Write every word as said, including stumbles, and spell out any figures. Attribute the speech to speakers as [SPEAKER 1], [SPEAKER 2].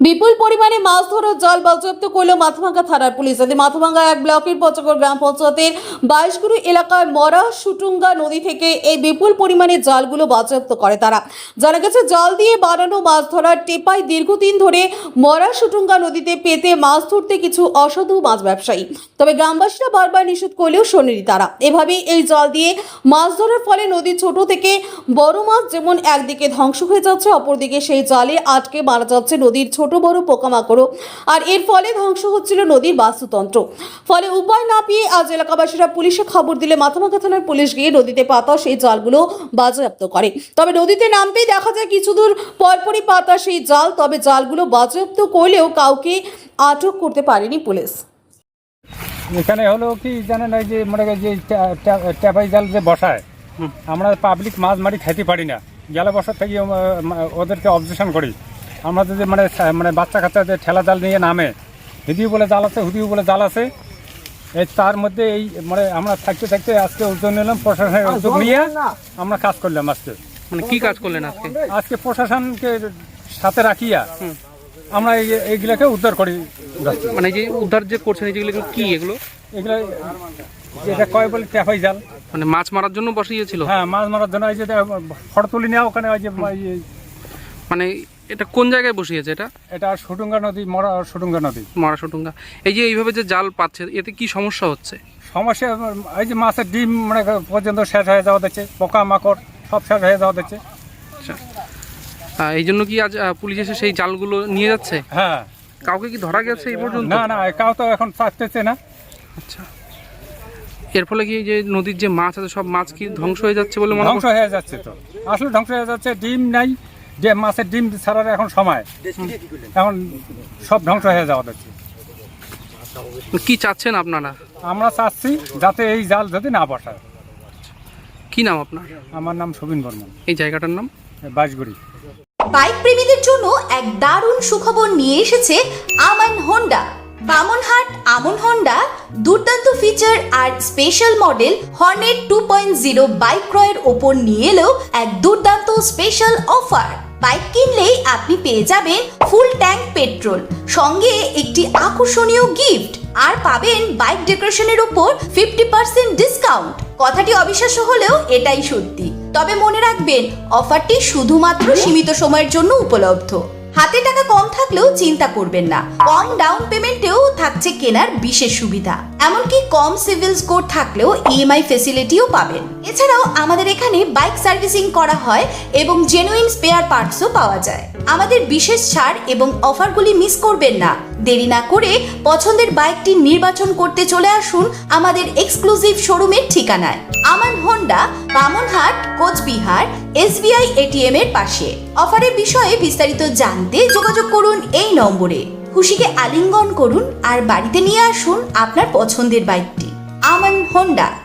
[SPEAKER 1] বিপুল পরিমাণে মাছ ধরার জাল বাজেয়াপ্ত করল মাথাভাঙ্গা থানার পুলিশ। এতে মাথাভাঙ্গা এক ব্লকের পঞ্চগড় গ্রাম পঞ্চায়েতের বাইশগুরু এলাকার মরা সুটুঙ্গা নদী থেকে এই বিপুল পরিমাণে জালগুলো বাজেয়াপ্ত করে তারা। জানা গেছে, জাল দিয়ে বানানো মাছ ধরার টেপায় দীর্ঘদিন ধরে মরা সুটুঙ্গা নদীতে পেতে মাছ ধরতে কিছু অসাধু মাছ ব্যবসায়ী। তবে গ্রামবাসীরা বারবার নিষেধ করলেও শোনেনি তারা। এভাবেই এই জাল দিয়ে মাছ ধরার ফলে নদীর ছোট থেকে বড় মাছ যেমন একদিকে ধ্বংস হয়ে যাচ্ছে, অপরদিকে সেই জালে আটকে মারা যাচ্ছে নদীর ছোট বড় পোকামাকড়, আর এর ফলে ধ্বংস হচ্ছিল নদীর বাস্তুতন্ত্র। ফলে উপায় না পেয়ে আজ এলাকাবাসীরা পুলিশে খবর দিলে মাথাভাঙ্গা থানার পুলিশ গিয়ে নদীতে পাতা সেই জালগুলো বাজেয়াপ্ত করে। তবে নদীতে নামতেই দেখা যায় কিছু দূর পরপরই পাতা সেই জাল। তবে জালগুলো বাজেয়াপ্ত করলেও কাউকে আটক করতে পারেনি পুলিশ।
[SPEAKER 2] এখানে হলো কি জানেন, এই যে মনে করেন যে ট্যাপাই জাল যে বসায়, আমরা পাবলিক মাছ মারি খাইতে পারি না। জালে বসার থেকে ওদেরকে অবজেকশন করি। আমরা যদি মানে মানে বাচ্চা কাচ্চা যে ঠেলা জাল নিয়ে নামে, হুদিও বলে জাল আছে, হুদিও বলে জাল আছে, এই তার মধ্যে এই মানে আমরা থাকতে থাকতে আজকে উদ্যোগ নিলাম, প্রশাসনের উদ্যোগ নিয়ে আমরা কাজ করলাম। আজকে
[SPEAKER 3] মানে কি কাজ করলেন আজকে?
[SPEAKER 2] আজকে প্রশাসনকে সাথে রাখিয়া আমরা এইগুলাকে উদ্ধার করি।
[SPEAKER 3] মানে যে উদ্ধার যে করছেন যেগুলো কি এগুলো
[SPEAKER 2] এগুলো যেটা কয় বলে ট্যাপাই জাল,
[SPEAKER 3] মানে মাছ মারার জন্য বসিয়েছিল।
[SPEAKER 2] হ্যাঁ, মাছ মারার জন্য। এই যে ফটো তুলি নেওয়া ওখানে ওই যে
[SPEAKER 3] মানে এটা কোন জায়গায় বসিয়েছে? এটা
[SPEAKER 2] এটা সুটুঙ্গা নদী, মরা সুটুঙ্গা নদী,
[SPEAKER 3] মরা সুটুঙ্গা। এই যে এইভাবে যে জাল পাচ্ছে, এতে কি সমস্যা হচ্ছে?
[SPEAKER 2] সমস্যা এই যে মাছের ডিম মানে পর্যন্ত শেষ হয়ে যাওয়া দিচ্ছে, পোকা মাকড় সব শেষ হয়ে যাওয়া দিচ্ছে।
[SPEAKER 3] আচ্ছা, এই জন্য কি আজ পুলিশ এসে সেই জালগুলো নিয়ে যাচ্ছে?
[SPEAKER 2] হ্যাঁ।
[SPEAKER 3] কাউকে কি ধরা গেছে এই পর্যন্ত?
[SPEAKER 2] না না, কাউ তো এখন চাচ্ছে না।
[SPEAKER 3] আচ্ছা, এর ফলে কি যে নদীর যে মাছ আছে সব মাছ কি ধ্বংস হয়ে যাচ্ছে বলে মনে?
[SPEAKER 2] ধ্বংস হয়ে যাচ্ছে, তো আসলে ধ্বংস হয়ে যাচ্ছে। ডিম নাই, যে মাছের ডিম ছাড়ার এখন সময়, এখন সব ধ্বংস হয়ে যাওয়া দিচ্ছে।
[SPEAKER 3] কি চাচ্ছেন আপনারা?
[SPEAKER 2] আমরা চাচ্ছি যাতে এই জাল যদি না বসায়।
[SPEAKER 3] কি নাম আপনার?
[SPEAKER 2] আমার নাম সুবিন বর্মন।
[SPEAKER 3] এই জায়গাটার নাম
[SPEAKER 2] বাইশগুড়ি।
[SPEAKER 4] বাইক প্রেমীদের জন্য এক দারুণ সুখবর নিয়ে এসেছে আমান হোন্ডা। বামনহাট আমন হোন্ডা দুর্দান্ত ফিচার আর special model Hornet two point zero bike ক্রয়ের ওপর নিয়ে এলো এক দুর্দান্ত স্পেশাল অফার। বাইক কিনলেই আপনি পেয়ে যাবেন ফুল ট্যাঙ্ক পেট্রোল, সঙ্গে একটি আকর্ষণীয় গিফট, আর পাবেন বাইক ডেকোরেশনের উপর ফিফটি পার্সেন্ট ডিসকাউন্ট। কথাটি অবিশ্বাস্য হলেও এটাই সত্যি। তবে মনে রাখবেন, অফারটি শুধুমাত্র সীমিত সময়ের জন্য উপলব্ধ। হাতে টাকা কম থাকলেও চিন্তা করবেন না, কম ডাউন পেমেন্টেও থাকছে কেনার বিশেষ সুবিধা। এমনকি কম সিভিল স্কোর থাকলেও ইএমআই ফেসিলিটিও পাবেন। এছাড়াও আমাদের এখানে বাইক সার্ভিসিং করা হয় এবং জেনুইন স্পেয়ার পার্টসও পাওয়া যায়। আমাদের বিশেষ ছাড় এবং অফারগুলি মিস করবেন না। দেরি না করে পছন্দের বাইকটি নির্বাচন করতে চলে আসুন আমাদের এক্সক্লুসিভ শোরুমের ঠিকানায়, Aman Honda, Bamanhat, Coochbehar, SBI ATM এর পাশে। অফারের বিষয়ে বিস্তারিত জানতে যোগাযোগ করুন এই নম্বরে। খুশিকে আলিঙ্গন করুন আর বাড়িতে নিয়ে আসুন আপনার পছন্দের বাইকটি। আমান হোন্ডা।